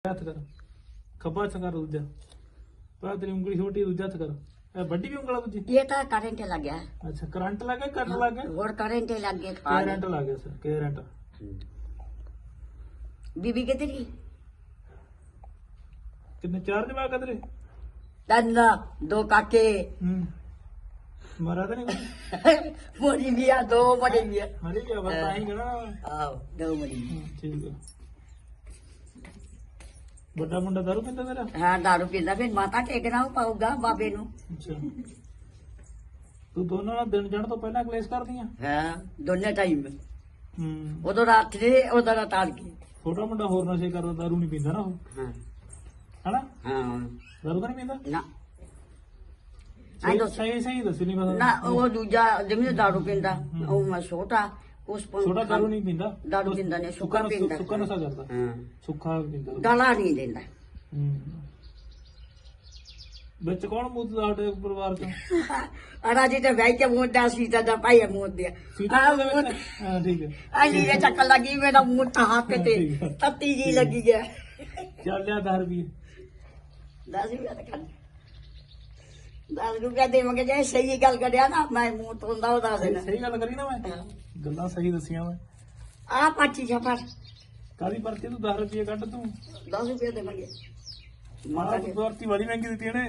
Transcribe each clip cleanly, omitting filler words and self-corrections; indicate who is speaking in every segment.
Speaker 1: हथ कर खब्बा हथ कर दूजा पर तेरी उंगली छोटी दूजा हथ कर बड़ी भी उंगल दूजी
Speaker 2: ये तो करंट लग गया।
Speaker 1: अच्छा करंट लग गया कट लग गया
Speaker 2: और करंट लग गया
Speaker 1: करंट लग गया सर करंट
Speaker 2: बीबी के तेरी
Speaker 1: कितने चार जवाक तेरे
Speaker 2: दंदा दो काके
Speaker 1: मरा तो नहीं
Speaker 2: मोरी बिया दो मरी बिया
Speaker 1: मरी क्या बताएंगे ना
Speaker 2: आओ दो मरी
Speaker 1: ठीक है बड़ा मुंडा दारू पींदा तेरा
Speaker 2: हाँ दारू पींदा फिर माता टेकना पाऊगा बाबे नु
Speaker 1: अच्छा तू दोनों ना दिन जाने तो पहला क्लेश कर दिया
Speaker 2: हाँ दोनों टाइम उधर रात रे उधर तार की
Speaker 1: छोटा मुंडा होर नशे करदा दारू नहीं पींदा ना
Speaker 2: हाँ
Speaker 1: है ना
Speaker 2: हाँ
Speaker 1: दारू तो नहीं पींदा
Speaker 2: ना
Speaker 1: सही सही दस नहीं पता
Speaker 2: ना वो दूजा जिम्मे दारू पींदा वो मैं छोटा उस
Speaker 1: छोटा दारू नहीं पींदा
Speaker 2: दारू पींदा ने सुक्का पींदा
Speaker 1: सुक्का नशा करदा
Speaker 2: हाँ
Speaker 1: सुक्का पींदा
Speaker 2: गला नहीं देंदा
Speaker 1: ਵਿੱਚ ਕੌਣ ਮੂਤ ਸਾਡੇ ਪਰਿਵਾਰ ਚ
Speaker 2: अरा जी तो भाई के मुंह दा सीता दा पाई मुंह दिया
Speaker 1: ਹਾਂ ਠੀਕ ਹੈ
Speaker 2: अली ये चक्कर लगी मेरा मुंह हाथ पे तत्ती जी लगी गया
Speaker 1: ਚੱਲ ਲਿਆ 10 ਰੁਪਏ
Speaker 2: 10 रुपया तो कर 10 रुपया देवांगे जे सही गल करिया ना मैं मुंह तोंदा वो दस देना
Speaker 1: ਸਹੀ ਗੱਲ ਕਰੀ ਨਾ ਮੈਂ ਗੱਲਾਂ ਸਹੀ ਦੱਸੀਆਂ ਮੈਂ
Speaker 2: आ पाची छपर
Speaker 1: ਕਾਦੀ ਪਰਚੀ ਤੂੰ 10 ਰੁਪਏ ਕੱਢ ਤੂੰ
Speaker 2: 10 रुपया देवांगे
Speaker 1: ਮਾਰਾ ਪਰਚੀ ਬੜੀ ਮਹਿੰਗੀ ਦਿੱਤੀ ਇਹਨੇ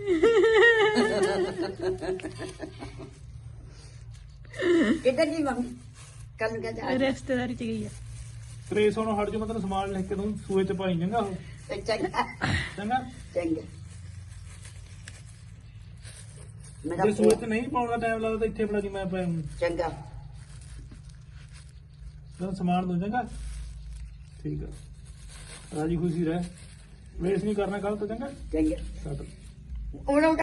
Speaker 2: किधर जी मम्मी कल का जा
Speaker 3: रिश्तेदारी च गई है
Speaker 1: ਤ੍ਰੇਸ ਨੂੰ ਹਟ ਜਾ ਮੈਂ ਤੈਨੂੰ ਸਮਾਨ ਲਿਖ ਕੇ ਦੂੰ ਸੂਏ ਚ ਪਾਈ ਜਾਂਗਾ ਉਹ
Speaker 2: चंगा
Speaker 1: ਚੰਗਾ
Speaker 2: चंगा मेरा
Speaker 1: ਜੇ ਸੂਏ ਚ ਨਹੀਂ ਪਾਉਣ ਦਾ ਟਾਈਮ ਲੱਗਦਾ ਤਾਂ ਇੱਥੇ ਫੜਾ ਦੀ ਮੈਂ
Speaker 2: चंगा
Speaker 1: ਤੈਨੂੰ ਸਮਾਨ ਦੂੰ ਚੰਗਾ ਠੀਕ ਆ ਰਾਜੀ ਖੁਸ਼ੀ ਰਹਿ ਵੇਸ ਨਹੀਂ ਕਰਨਾ ਕੱਲ ਤੋਂ ਚੰਗਾ
Speaker 2: चंगा
Speaker 1: ਛੱਡ
Speaker 2: उन्होंने